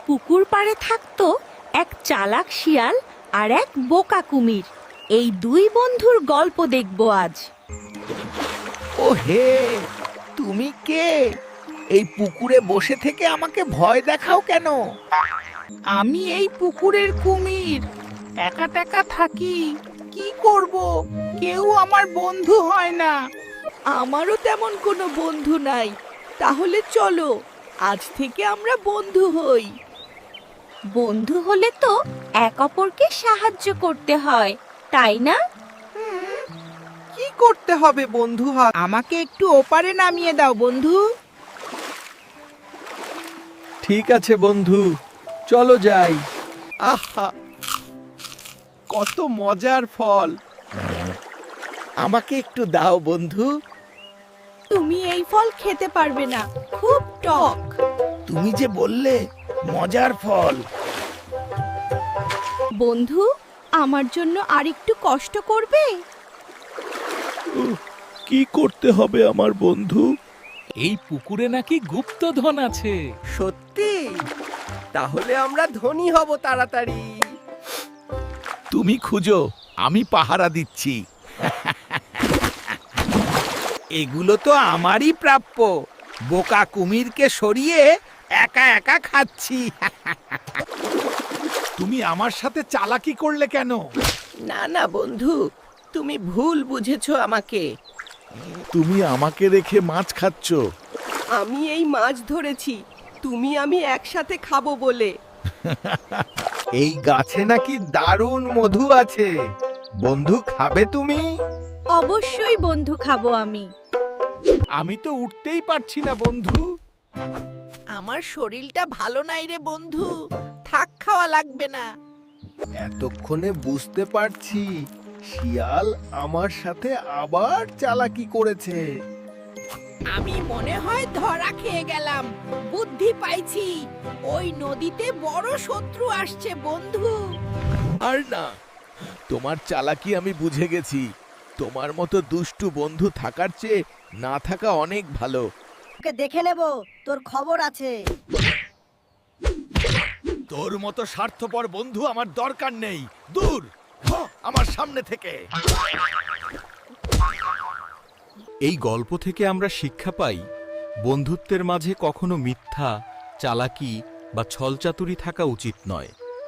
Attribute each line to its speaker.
Speaker 1: পুকুর পাড়ে থাকতো এক চালাক শিয়াল আর এক বোকা কুমির। এই দুই বন্ধুর গল্প দেখব আজ।
Speaker 2: ও হে, তুমি কে? এই পুকুরে বসে থেকে আমাকে ভয় দেখাও কেন? আমি এই পুকুরের কুমির, একা টেকা থাকি। কি করব? কেউ আমার বন্ধু হয় না।
Speaker 1: আমারও তেমন কোনো বন্ধু নাই। তাহলে চলো আজ থেকে আমরা বন্ধু হই। বন্ধু হলে তো এক অপরকে সাহায্য করতে হয়, তাই না?
Speaker 2: কি করতে হবে বন্ধু? আমাকে একটু ওপারে নামিয়ে দাও বন্ধু। ঠিক আছে বন্ধু, চলো যাই। আহা, কত মজার ফল! আমাকে একটু দাও বন্ধু।
Speaker 1: তুমি এই ফল খেতে পারবে না, খুব টক।
Speaker 2: তুমি যে বললে মজার ফল।
Speaker 1: বন্ধু, আমার জন্য আরেকটু কষ্ট করবে?
Speaker 2: কি করতে হবে আমার বন্ধু?
Speaker 3: এই পুকুরে নাকি গুপ্তধন আছে।
Speaker 2: সত্যি? তাহলে আমরা ধনী হব তাড়াতাড়ি। তুমি খুঁজো, আমি পাহারা দিচ্ছি। এগুলো তো আমারই প্রাপ্য। বোকা কুমিরকে সরিয়ে একা একা খাচ্ছি। তুমি আমার সাথে চালাকি করলে কেন? না না বন্ধু, তুমি ভুল বুঝেছো আমাকে। তুমি আমাকে রেখে মাছ খাচ্ছ।
Speaker 4: আমি এই মাছ ধরেছি, আমি একসাথে খাবো বলে।
Speaker 2: এই গাছে নাকি দারুণ মধু আছে। বন্ধু, খাবে তুমি?
Speaker 1: অবশ্যই বন্ধু, খাবো আমি।
Speaker 2: আমি তো উঠতেই পারছি না বন্ধু। আমার শরীরটা ভালো নাই রে বন্ধু, থাক, খাওয়া লাগবে না। এতক্ষণে বুঝতে পারছি শিয়াল আমার সাথে আবার চালাকি করেছে। আমি মনে হয় ধরা খেয়ে গেলাম। বুদ্ধি পাইছি, ওই নদীতে বড় শত্রু আসছে বন্ধু। আর না, তোমার চালাকি আমি বুঝে গেছি। তোমার মতো দুষ্টু বন্ধু থাকার চেয়ে না থাকা অনেক ভালো।
Speaker 4: ওকে দেখে নেব, তোর খবর আছে।
Speaker 2: তোর মতো স্বার্থপর বন্ধু আমার দরকার নেই। দূর হ আমার সামনে থেকে।
Speaker 5: এই গল্প থেকে আমরা শিক্ষা পাই, বন্ধুত্বের মাঝে কখনো মিথ্যা, চালাকি বা ছলচাতুরি থাকা উচিত নয়।